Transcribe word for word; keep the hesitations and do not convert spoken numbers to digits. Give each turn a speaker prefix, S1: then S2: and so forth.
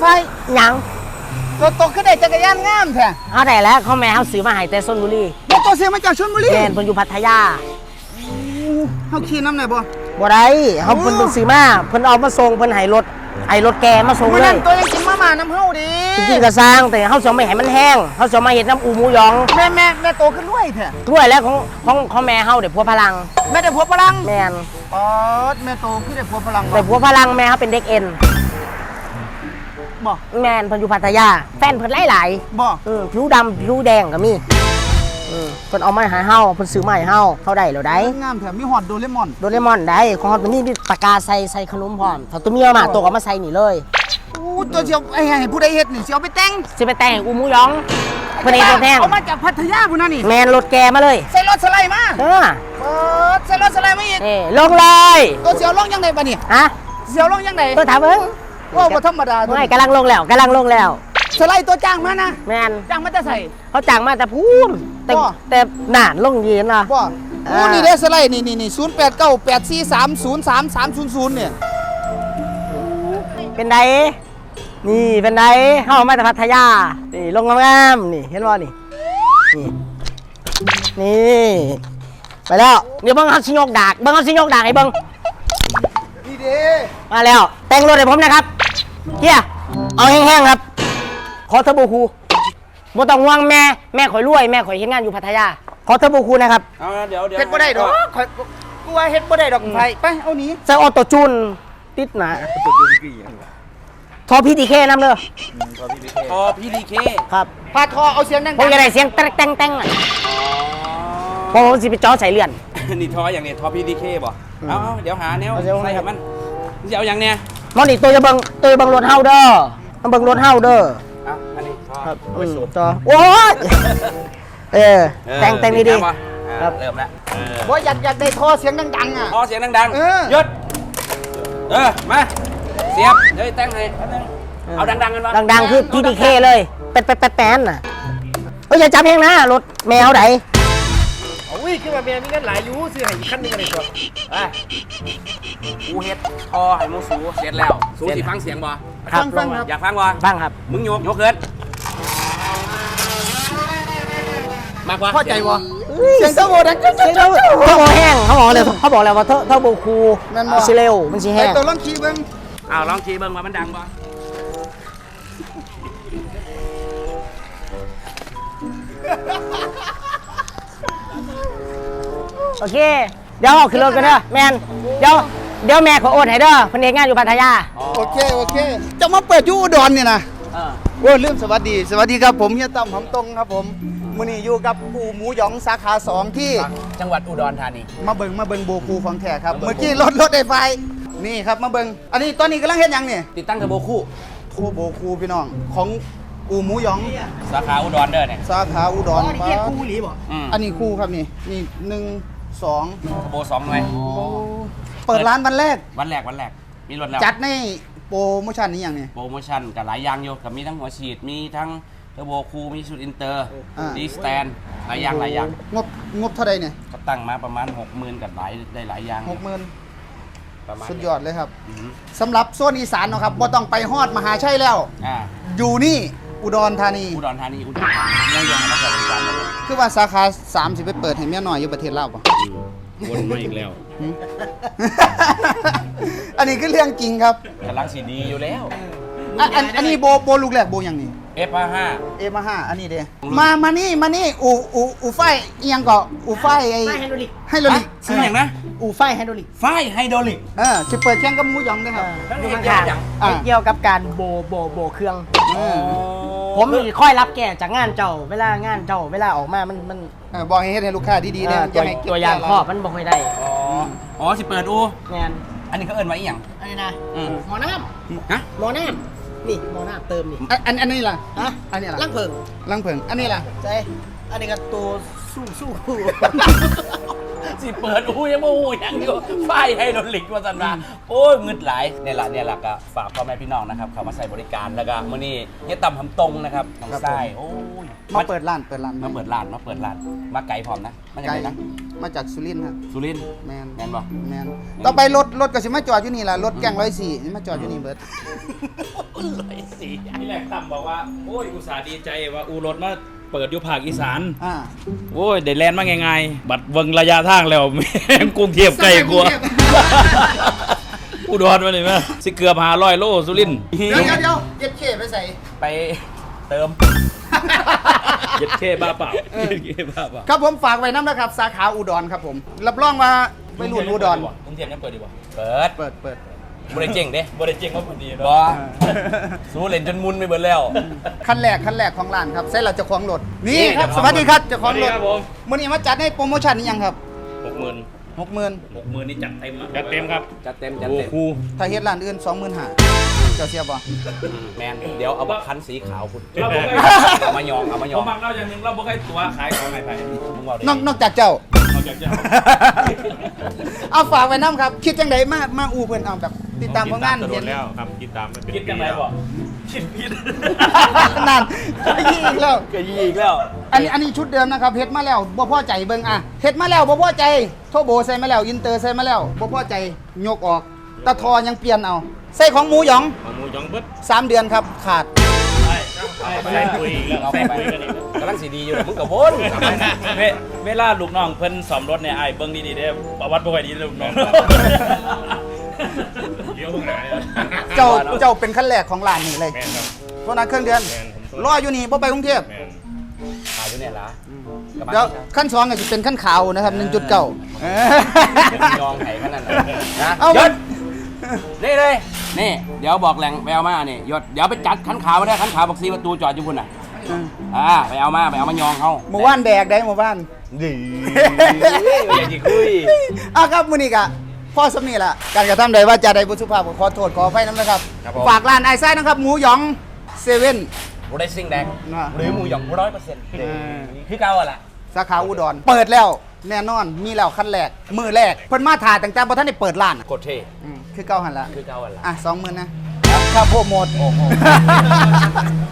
S1: ไฟ
S2: ยัง
S1: ตัวโตขึ้นได้จักรยานงามแท้
S2: เอาได้แล้วเขาแม่เขาซื้อมาให้แต่ชลบุรี
S1: ตัวโตเสียมาจากชลบุรี
S2: แม่นเพิ่นอยู่พัทยา
S1: เฮาขี่น้ำไหนบ่
S2: บ่ได้เขาเพิ่นต้องซื้อมาเพิ่นเอามาส่งเพิ่นให้รถไอ้รถแกมาส่งเลย
S1: ตัวยังกินมาม่าน้ำเฮาดิ
S2: จริงๆก็สร้างแต่เขาจะไม่ให้มันแห้งเขาจะมาเฮ็ดน้ำอูหมูยอง
S1: แม่แม่แม่โตขึ้นด้วยแท้
S2: ด้วยแล้วของของของแม่เฮาเดี๋ยวพัวพลัง
S1: แม่ได้พัวพลัง
S2: แม่น
S1: อ๋อแม่โตขึ้นได้พัวพลัง
S2: แต่พัวพลังแม่เขาเป็นเด็กเอ็น
S1: บ่
S2: แม่นเพิ่นอยู่พัทยาแฟนเพิ่นหลาย
S1: ๆบ่
S2: อือผิวดำผิวแดงก็มีอือเพิ่นเอามาให้เฮาเพิ่นซื้อมาให้เฮาเฮาได้แล้วได้
S1: งามแถมมีฮอตโดเรมอน
S2: โดเรมอนได้ของเฮาตัวนี้มีปากกาใส่ใส่ขนมพร้อมถ้าตัวเมียมาตัวก็มาใส่นี่เลย
S1: อู้ตัวเสียวไอ้ให้ผู้ใดเฮ็ดนี่เสียวไปแต่ง
S2: สิไปแต่งอูหมูยองเพิ่นเฮ็ดตัวแพง
S1: เอามาจากพัทยาพุ่นน่ะนี่
S2: แม่นรถแกมาเลย
S1: ใส่รถสไลด์มา
S2: เออ
S1: เออใส่รถสไลด์มาอีก
S2: นี่ลงเลย
S1: ตัวเสียวลงยังไงบัดนี้
S2: ฮะ
S1: เสียวลงยังไง
S2: ตัวถามเบิ่ง
S1: ว่าบ่ธรรมดา
S2: ไม่กำลังลงแล้วกำลังลงแล้ว
S1: สไลด์ตัวจ้างมานะ
S2: แม่น
S1: จ้างมาจะใส่
S2: เขาจ้างมาแต่พูนแต่แต่หนานลงเย็นนะ
S1: บ่โอ้นี่เด้สไลด์นี่นี่ศูนย์แปดเก้าแปดสี่สามศูนย์สามสามศูนย์ศูนย์เนี่ย
S2: เป็นไดนี่เป็นไดเข้ามาจากพัทยานี่ลงงามๆนี่เห็นบ่นี่นี่นี่ไปแล้วเดี๋ยวเบิ้งเขาสิยกดากเบิ้งเขาสิยกดากให้เบิ้ง
S1: นี่เด้
S2: มาแล้วแต่งรถให้ผมนะครับเฮียเอาแห้งๆครับขอเทอร์โบคูบ่ต้องห่วงแม่แม่ข่อยรวยแม่ข่อยเฮ็ดงานอยู่พัทยาขอเทอร์โบคูนะครับ
S3: เอาเดี๋ยวเดี๋ยว
S1: เฮ็ดบ่ได้ดอกข่อยกูว่าเฮ็ดบ่ได้ดอกไผไปเอาหนี
S2: ใส่ออโต้จูนติดหนาทอพีดีเคน้ำเลย
S3: ทอพีดีเค
S2: ครับ
S1: พาทอเอาเสียงดังๆ
S2: ผมจะได้เสียงแต๊งแต๊งแต๊งอ่ะพอผมสิไปจ่อใส่เลื่อน
S3: นี่ทออย่างนี้ทอพีดีเคบ่เอาเดี๋ยวหาแนวใส่มันจะเอาอย่างเนี้ย
S2: มอนี่ตัวจะเบิ่งตัวจะเบิ่งรถเฮาเด้อมันเบิ่งรถเฮาเด้อ
S3: อ่ะอันนี้
S2: ครับไปสูบต่อโอ้ยเออแต่งแต่งดีดี
S3: ครับเริ่มแล้ว
S1: บ่อยากอยากได้ทอเสียงดังๆอ่ะ
S3: ทอเสียงดังๆหยุดเออมาเสียบเดี๋ยวแต่งให้เอาดังๆกันวะ
S2: ดังๆคือพีดีเคเลยแป๊ดแป๊ดแป๊ดแป๊ดน่ะเฮ้ยอย่าจับเพลงนะรถแมวไหน
S1: อุ้ยคือว่าแมวมีเงินหลายอยู่ซื้อให้คันนึงกันเลยตัว
S3: ไปกูเฮ็ดทอให้มูสูเสร็จแล้วสูสิฟังเสียงบ่
S1: ฟังฟังครับ
S3: อยากฟังบ่
S2: ฟังครับ
S3: มึงโยกโยกเกินมากกว่า
S1: เข้าใจวะเสียงเทอร์โบดังเสียงเทอร์โบ
S2: เทอร์โบแห้งเขาบอกเลยเขาบอกแล้วว่าเทอร์โบคูมันสิเร็วมันสิแห้ง
S1: ตัวลองขี่เบิ้ง
S3: อ้าวลองขี่เบิ้งว่ามันดังบ่
S2: โอเคเดี๋ยวขึ้นรถกันเด้อแมนเดี๋ยวเดี๋ยวแม่ขอโอนให้เด้อเพิ่นเฮ็ดงานอยู่พัทยา
S1: โอเคโอเคจะมาเปิดอยู่อุดรนี่นะโอ้ลืมสวัสดีสวัสดีครับผมเฮียตั้มหำตรงครับผมมื้อนี้อยู่กับปูหมูหยองสาขาสองที่
S3: จังหวัดอุดรธานี
S1: มาเบิ่งมาเบิ่งโบคูของแท้ครับเมื่อกี้รถรถไฟไฟนี่ครับมาเบิ่งอันนี้ตอนนี้กำลังเฮ็ดยังนี่
S3: ติดตั้งเทอร์โบคู่
S1: โทโบคูพี่น้องของปูหมูหยอง
S3: สาขาอุดรเด้อเนี่ย
S1: สาขาอุดร
S2: นี่เรียกคู่หรือบ่
S1: อันนี้คู่ครับนี่นี่หนึ่งสอง
S3: เทอร์โบสองหน่วย
S1: เปิดร้านวันแรก
S3: วันแรกวันแรกมีรถแล้ว
S1: จัดในโปรโมชั่นนี้อย่างนี้
S3: โปรโมชั่นกับหลายอย่างอยู่กับมีทั้งหัวฉีดมีทั้งเทอร์โบคูมีชุดอินเตอร์ดีสแตนหลายอย่างหลายอย่าง
S1: งบงบเท่าไรเนี่ย
S3: ก็ตั้งมาประมาณหกหมื่นกับหลายได้หลายอย่าง
S1: หกหมื่นสุดยอดเลยครับสำหรับโซนอีสานนะครับบ่ต้องไปฮอดมหาชัยแล้วอยู่นี่อุดรธานี
S3: อุดรธานีอุดรธานียังยังมาเปิดบริการเลย
S1: คือว่าสาขาสามสิบไปเปิดให้เมียน้อยอยู่ประเทศลาวป่ะ
S3: วนมาอีกแล้ว
S1: อันนี้คือเรื่องจริงครับ
S3: กำลังสีดีอยู่แล้ว
S1: อันอันนี้โบโบลูกแรกโบอย่างนี้
S3: เอฟห้า
S1: เอฟห้าอันนี้เด้มามานี่มานี่อูอูอูไฟยังก็อูไฟไอ
S2: ไฮโดรลิก
S1: ไฮโดรลิก
S3: ซื้ออย่างนะ
S2: อูไฟไฮโดรลิก
S3: ไฟไฮโดรลิก
S1: เออจะเปิดแข่งกับหมูหยองได้ครับ
S2: ดูมันขาดเกี่ยวกับการโบโบโบเครื่องผมมีค่อยรับแก่จากงานเจ้าเวลางานเจ้าเวลาออกมามันมัน
S1: บอกให้ให้ลูกค้าดีๆเนี่ย
S2: ตัวอย่างครอบมันบอกให้ได้
S3: อ๋ออ๋อสิเปิดอู
S2: งาน
S3: อันนี้เขาเอิ้นไว้อีหยัง
S2: อันนี้นะหมอน้ำฮะหมอน้ำนี่หมอน้ำเติมนี่
S1: อันอันนี้ล่ะ
S2: ฮะ
S1: อันนี้ล่ะ
S2: ลังเพิง
S1: ลังเพิงอันนี้ล่ะ
S2: ใช่อันนี้ก็ตัวสู้สู้
S3: สิเปิดอูยังโม่ยังอยู่ไฟไฮโดรลิกว่าสันว่าโอ้ยเงินไหลเนี่ยแหละเนี่ยแหละก็ฝากพ่อแม่พี่น้องนะครับเขามาใส่บริการแล้วก็มื้อนี้เฮียต่ำทำตรงนะครับทางซ้ายโอ้ย
S1: มาเปิดร้านเปิดร้าน
S3: มาเปิดร้านมาเปิดร้านมาไกลพร้อมนะมาจากไหนนะ
S1: มาจากสุรินทร์ครับ
S3: สุรินทร์
S1: แมน
S3: แมนบ่
S1: แมนต่อไปรถรถก็สิมาจอดอยู่นี่ล่ะรถแกงร้อยสี่นี่มาจอดอยู่นี่เบิร์ด
S3: ร้อยสี่
S4: ที่แรกตั้มบอกว่า โอ้ย อุตส่าห์ดีใจว่าอูรถมาเปิดอยู่ภาคอีสาน
S1: อ่า
S4: โอ้ยได้แลนด์มาง่ายๆบัดเบิ่งระยะทางแล้ว แม่งกรุงเทพใกล้กว่าอุดรมาเลยมั้ยสิเกือบห้าร้อยโลสุรินทร์
S1: เดี๋ยวเดี๋ยวเดี๋ยวเย็ดเข่ไปใส่
S3: ไปเติม
S4: เย็ดเท่บ้าเปล่าเย็ดเท่บ้าเปล่า
S1: ครับผมฝากไว้น้ำนะครับ สาขาอุดรครับผม รับรองว่าไปรุ่นอุดร
S4: กรุงเทพยังเปิดดีกว่า
S3: เปิด
S1: เปิดเปิด
S3: บริเจ๋งเด้
S4: บ่ได้เจ๊งว่าพอดี
S3: บ
S4: เนาะ
S3: อสู้เล่นจนมุนไปเบิดแล้ว
S1: ขั้นแรกขั้นแรกของร้านครับใส่เราจะคล้องรถนี่
S3: นี่
S1: ครับ
S3: เจ้า
S1: ส
S3: ของ
S1: วัสดีครับเจะคล้องรถ
S4: ครับผม
S1: มื่อนี้มาจัดให้โปรโมชั่นนี่ยังครับ
S4: หกหมื่น
S1: หกหมื่น
S4: หกหมื่นนี่จัดเต็มอะจัดเต็มครับ
S3: จัดเต็มจัด
S4: โอ้
S3: เต็ม
S4: ครู
S1: ถ้าเฮ็ดร้านอื่นสองหมื่นห้าเจ้าเสียบ่
S3: อืมแมนเดี๋ยวเอาบักคันสีขาวคุณ
S4: เราบอกให้
S3: เอามายองเอามาย
S4: ผ
S3: อ
S4: ม
S3: ง
S4: มักเล่าอย่างหนึ่งเราบอกให้ตัวขายของไหนไป
S3: มึงบอกดิ
S1: นอกนอกจากเจ้า
S4: เราจะจะ
S1: เอาฝากไว้น้ำครับ คิดจังไดมามาอูเพิ่นเอาแบบติดตามผลงาน
S5: โด
S1: เห็
S5: น
S1: น
S5: แล้วครับคิดตามไม่เป็น
S4: คิดยังไงบอกคิดผิด
S1: นั่นยี่อีกแล้ว
S3: ก็ยีอีกแล้ว
S1: อันนี้อันนี้ชุดเดิมนะครับเฮ็ดมาแล้วบ่พอใจเบิ่งอ่ะเฮ็ดมาแล้วบ่พอใจโทโบใส่มาแล้วอินเตอร์ใส่มาแล้วบ่พอใจยกออกตะทอยังเปลี่ยนเอาใส่ของหมูหยอง
S5: หมูยองเบิด
S1: สามเดือนครับขาด
S5: ใช่ใส่ปุ๋ยอีกแล้ว
S3: เอา
S5: ใส่
S3: ไป
S5: ปุ๋ยกันอีกแล้ว
S3: กำลังสีดีอยู่เลยมึงกับวน
S4: เวเวลาลูกน้องเพิ่นสอมรถเนี่ยไอ้ายเบิ่งดีๆเด้อประวัติบ่ค่อยดีเด้อลูกน้อง
S5: เดี๋ยวพวกหนาเลย
S1: เจ้าเจ้าเป็นขั้นแรกของร้านนี่เลย
S5: แมนครับ
S1: เพราะนั้นเครื่องเดือน
S5: แมนผม
S1: รออยู่นี่บ่ไปกรุงเทพ
S5: แมน
S3: ขายอยู่เนี่ยละกลับมา
S1: เดี๋ยวขั้นสองก็จะเป็นขั้นขาวนะครับหนึ่งจุดเก้า
S3: ยองไห้ขนาดนั้นนะ
S1: เอา
S3: ยศนี่เลยนี่เดี๋ยวบอกแหล่งไปเอามานี่ยศเดี๋ยวไปจัดขันขาวมาได้ขันขาวบอกซีประตูจอดอยู่พุ่นน่ะอ่าไปเอามาไปเอามายองเขา
S1: หมู่บ้านแบกได้หมู่บ้าน
S3: ดีอยากจะคุย
S1: อ่ะครับมื้อนี้ก็พ่อสำนีล่ะการกระทำใดว่าจะใดบุสุภาพก็ขอโทษขออภัยน้ำนะครับ ฝากร้านไอซ่านะครับ หมูหยองเซเว่น
S3: บูได้ซิ่งแดง
S1: น่ะ
S3: หรือหมูหยองร้อยเปอร์เซ็นต์
S1: อ
S3: คือเก่าอะล่ะ
S1: สาขาอุดร เปิดแล้วแน่นอนมีแล้วขั้นแรก มือแรก เพิ่นมาถ่ายตั้งแต่บ่ทันได้เปิดร้านอะ
S3: กดเท
S1: อืมคือเก้าหันละ
S3: คือเก่าอะล่ะ
S1: อ่ะสองหมื่นนะ ครับโปรโมท
S3: โอ้โห